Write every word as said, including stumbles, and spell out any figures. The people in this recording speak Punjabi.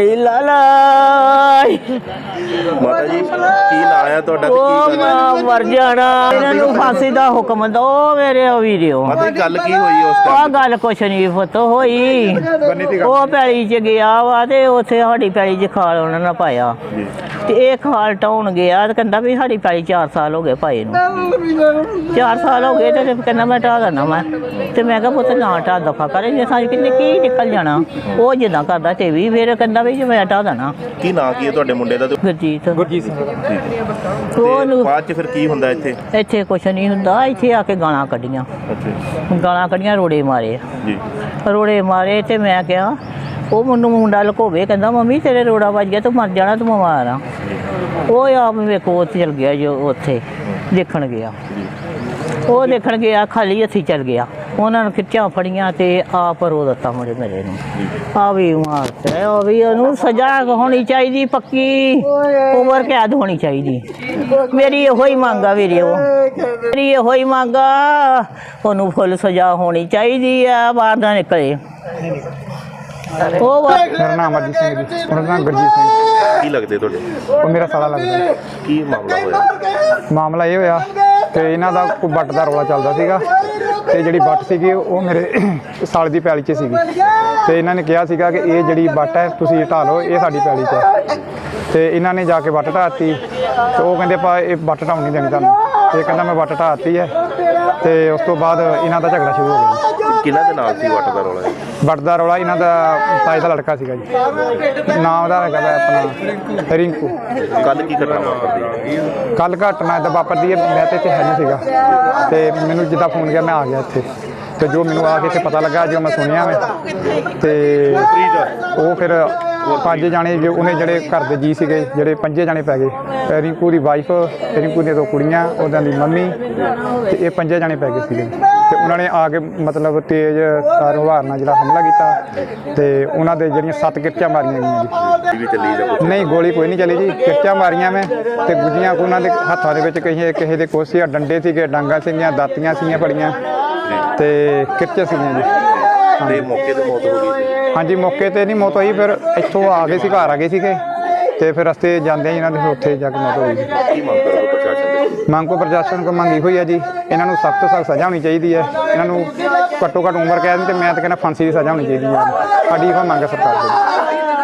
ਲਾਲਾ ਮਾਤਾ ਜੀ ਕੀ ਨਾਂ ਆ ਤੁਹਾਡਾ ਤੇ ਉਹ ਕੀ ਗੱਲ ਮੈਂ ਮਰ ਜਾਣਾ ਇਹਨਾਂ ਨੂੰ ਫਾਂਸੀ ਦਾ ਹੁਕਮ ਦੋ ਮੇਰੇ ਵੀਡੀਓ ਮਾਤਾ ਜੀ ਗੱਲ ਕੀ ਹੋਈ ਉਸ ਆ ਟਾਈਮ ਗੱਲ ਕੁਛ ਨਹੀਂ ਪੁੱਤ ਹੋਈ ਉਹ ਪੈਲੀ ਚ ਗਿਆ ਵਾ ਤੇ ਉੱਥੇ ਸਾਡੀ ਪੈਲੀ ਚ ਖਾਲ ਉਹਨਾਂ ਨੇ ਪਾਇਆ ਜੀ ਤੇ ਇਹ ਖਾਲ ਟਾਉਣ ਗਿਆ ਤੇ ਕਹਿੰਦਾ ਵੀ ਸਾਡੀ ਪੈਲੀ ਚਾਰ ਸਾਲ ਹੋ ਗਏ ਪਾਏ ਨੂੰ ਚਾਰ ਸਾਲ ਹੋ ਗਏ ਤੇ ਕਹਿੰਦਾ ਮੈਂ ਢਾਹ ਦੇਣਾ ਮੈਂ ਤੇ ਮੈਂ ਕਿਹਾ ਪੁੱਤ ਨਾ ਢਾਹ ਦਫਾ ਕਰੇ ਜੇ ਸਾਡੀ ਕਿੰਨੇ ਕੀ ਨਿਕਲ ਜਾਣਾ ਉਹ ਜਿੱਦਾਂ ਕਰਦਾ ਤੇ ਵੀ ਫਿਰ ਕਹਿੰਦਾ ਵੀ ਜੇ ਮੈਂ ਢਾਹ ਦੇਣਾ ਕੀ ਨਾਂ ਕੀ ਹੈ ਤੁਹਾਡੇ ਮੁੰਡੇ ਦਾ ਤੇ ਗੁਰਜੀਤ ਗੁਰਜੀਤ ਸਿੰਘ ਤੇ ਉਹਨੂੰ ਬਾਅਦ ਚ ਫਿਰ ਕੀ ਹੁੰਦਾ ਇੱਥੇ ਇੱਥੇ ਕੁਛ ਨਹੀਂ ਹੁੰਦਾ ਇੱਥੇ ਆ ਕੇ ਗਾਲਾਂ ਕੱਢੀਆਂ ਅੱਛਾ ਗਾਲਾਂ ਕੱਢੀਆਂ ਰੋੜੇ ਮਾਰੇ ਜੀ ਰੋੜੇ ਮਾਰੇ ਤੇ ਮੈਂ ਕਿਹਾ ਉਹ ਮੈਨੂੰ ਮੁੰਡਾ ਲੁਕੋਵੇ ਕਹਿੰਦਾ ਮੰਮੀ ਤੇਰੇ ਰੋੜਾ ਵੱਜ ਗਿਆ ਤੂੰ ਮਰ ਜਾਣਾ ਤੂੰ ਬਿਮਾਰ ਆ ਉਹ ਆਪ ਵੇਖੋ ਉੱਥੇ ਚਲ ਗਿਆ ਜੋ ਉੱਥੇ ਦੇਖਣ ਗਿਆ ਉਹ ਦੇਖਣ ਗਿਆ ਖਾਲੀ ਹੱਥੀ ਚਲ ਗਿਆ ਉਹਨਾਂ ਨੂੰ ਖਿੱਚਾਂ ਫੜੀਆਂ ਤੇ ਆਪ ਰੋ ਦਿੱਤਾ ਮੁੰਡੇ ਮੇਰੇ ਨੂੰ ਆ ਵੀ ਮਾਰਤਾ ਉਹ ਵੀ ਉਹਨੂੰ ਸਜ਼ਾ ਹੋਣੀ ਚਾਹੀਦੀ ਪੱਕੀ ਉਮਰ ਕੈਦ ਹੋਣੀ ਚਾਹੀਦੀ ਮੇਰੀ ਇਹੋ ਹੀ ਮੰਗ ਆ ਵੀਰੇ ਉਹ ਮੇਰੀ ਇਹੋ ਹੀ ਮੰਗ ਆ ਉਹਨੂੰ ਫੁੱਲ ਸਜ਼ਾ ਹੋਣੀ ਚਾਹੀਦੀ ਆ ਬਾਹਰ ਨਾ ਨਿਕਲੇ ਉਹ ਮੇਰਾ ਨਾਮ ਅਮਰਜੀਤ ਸਿੰਘ ਜੀ ਉਹਨਾਂ ਦਾ ਨਾਮ ਗੁਰਜੀਤ ਸਿੰਘ ਕੀ ਲੱਗਦੇ ਤੁਹਾਡੇ ਉਹ ਮੇਰਾ ਸਾਲਾ ਲੱਗਦਾ ਕੀ ਮਾਮਲਾ ਹੋਇਆ ਮਾਮਲਾ ਇਹ ਹੋਇਆ ਕਿ ਇਹਨਾਂ ਦਾ ਕੋਈ ਵੱਟ ਦਾ ਰੌਲਾ ਚੱਲਦਾ ਸੀਗਾ ਤੇ ਜਿਹੜੀ ਵੱਟ ਸੀਗੀ ਉਹ ਮੇਰੇ ਸਾਲ ਦੀ ਪੈਲੀ 'ਚ ਸੀਗੀ ਤੇ ਇਹਨਾਂ ਨੇ ਕਿਹਾ ਸੀਗਾ ਕਿ ਇਹ ਜਿਹੜੀ ਵੱਟ ਹੈ ਤੁਸੀਂ ਢਾਹ ਲਓ ਇਹ ਸਾਡੀ ਪੈਲੀ 'ਚ ਹੈ ਤੇ ਇਹਨਾਂ ਨੇ ਜਾ ਕੇ ਵੱਟ ਢਾਹਤੀ ਤੇ ਉਹ ਕਹਿੰਦੇ ਆਪਾਂ ਇਹ ਵੱਟ ਢਾਉਣ ਨਹੀਂ ਦੇਣੀ ਤੁਹਾਨੂੰ ਇਹ ਕਹਿੰਦਾ ਮੈਂ ਵੱਟ ਢਾਹਤੀ ਹੈ ਤੇ ਉਸ ਤੋਂ ਬਾਅਦ ਇਹਨਾਂ ਦਾ ਝਗੜਾ ਸ਼ੁਰੂ ਹੋ ਗਿਆ ਕਿਹਨਾਂ ਦੇ ਨਾਲ ਸੀ ਵੱਟ ਦਾ ਰੌਲਾ ਇਹ? ਵੱਟ ਦਾ ਰੌਲਾ ਇਹਨਾਂ ਦਾ ਤਾਏ ਦਾ ਲੜਕਾ ਸੀਗਾ ਜੀ ਨਾਮ ਉਹਦਾ ਹੈਗਾ ਵਾ ਆਪਣਾ ਰਿੰਕੂ ਕੱਲ ਕੀ ਘਟਨਾ ਵਾਪਰਦੀ ਕੱਲ ਘਟਨਾ ਇੱਦਾਂ ਵਾਪਰਦੀ ਹੈ ਮੈਂ ਤੇ ਇੱਥੇ ਹੈ ਨਹੀਂ ਸੀਗਾ ਤੇ ਮੈਨੂੰ ਜਿੱਦਾਂ ਫੋਨ ਗਿਆ ਮੈਂ ਆ ਗਿਆ ਇੱਥੇ ਤੇ ਜੋ ਮੈਨੂੰ ਆ ਕੇ ਇੱਥੇ ਪਤਾ ਲੱਗਾ ਜੋ ਮੈਂ ਸੁਣਿਆ ਮੈਂ ਤੇ ਉਹ ਫਿਰ ਪੰਜ ਜਾਣੇ ਜੋ ਉਹਨੇ ਜਿਹੜੇ ਘਰ ਦੇ ਜੀ ਸੀਗੇ ਜਿਹੜੇ ਪੰਜੇ ਜਾਣੇ ਪੈ ਗਏ ਰਿੰਕੂ ਦੀ ਵਾਈਫ ਰਿੰਕੂ ਦੀਆਂ ਦੋ ਕੁੜੀਆਂ ਉਹਨਾਂ ਦੀ ਮੰਮੀ ਤੇ ਇਹ ਪੰਜੇ ਜਾਣੇ ਪੈ ਗਏ ਸੀਗੇ ਤੇ ਉਹਨਾਂ ਨੇ ਆ ਕੇ ਮਤਲਬ ਤੇਜ਼ ਤਾਰ ਹਵਾਰ ਨਾਲ ਜਿਹੜਾ ਹਮਲਾ ਕੀਤਾ ਤੇ ਉਹਨਾਂ ਦੇ ਜਿਹੜੀਆਂ ਸੱਤ ਕਿਰਚਾਂ ਮਾਰੀਆਂ ਗਈਆਂ ਵੀ ਚੱਲੀ ਜਾਂ ਜੀ ਨਹੀਂ ਗੋਲੀ ਕੋਈ ਨਹੀਂ ਚੱਲੀ ਜੀ ਕਿਰਚਾਂ ਮਾਰੀਆਂ ਮੈਂ ਤੇ ਗੁੱਜੀਆਂ ਉਹਨਾਂ ਦੇ ਹੱਥਾਂ ਦੇ ਵਿੱਚ ਕਿਸੇ ਕਿਸੇ ਦੇ ਕੋਸੇ ਆ ਡੰਡੇ ਸੀਗੇ ਡਾਂਗਾ ਸੀਗੀਆਂ ਦਾਤੀਆਂ ਸੀਗੀਆਂ ਫੜੀਆਂ ਤੇ ਕਿਰਚੇ ਸੀਗੀਆਂ ਜੀ ਤੇ ਮੌਕੇ ਤੇ ਮੌਤ ਹੋ ਗਈ ਸੀ ਹਾਂਜੀ ਮੌਕੇ ਤੇ ਨਹੀਂ ਮੌਤ ਹੋਈ ਫਿਰ ਇੱਥੋਂ ਆ ਗਏ ਸੀ ਘਰ ਆ ਗਏ ਸੀਗੇ ਤੇ ਫਿਰ ਰਸਤੇ ਜਾਂਦੇ ਇਹਨਾਂ ਦੇ ਉੱਥੇ ਜਾ ਕੇ ਮੌਤ ਹੋਈ ਜੀ ਕੀ ਮੰਗ ਕਰੋਗੇ ਪ੍ਰਸ਼ਾਸਨ ਦੇ ਮੰਗ ਕੋ ਪ੍ਰਸ਼ਾਸਨ ਕੋ ਮੰਗੀ ਹੋਈ ਹੈ ਜੀ ਇਹਨਾਂ ਨੂੰ ਸਖਤ ਤੋਂ ਸਖਤ ਸਜ਼ਾ ਹੋਣੀ ਚਾਹੀਦੀ ਹੈ ਇਹਨਾਂ ਨੂੰ ਘੱਟੋ ਘੱਟ ਉਮਰ ਕੈਦ ਤੇ ਮੈਂ ਤਾਂ ਕਹਿੰਦਾ ਫਾਂਸੀ ਦੀ ਸਜ਼ਾ ਹੋਣੀ ਚਾਹੀਦੀ ਹੈ ਸਾਡੀ ਇਹ ਮੰਗ ਹੈ ਸਰਕਾਰ ਕੋਲ।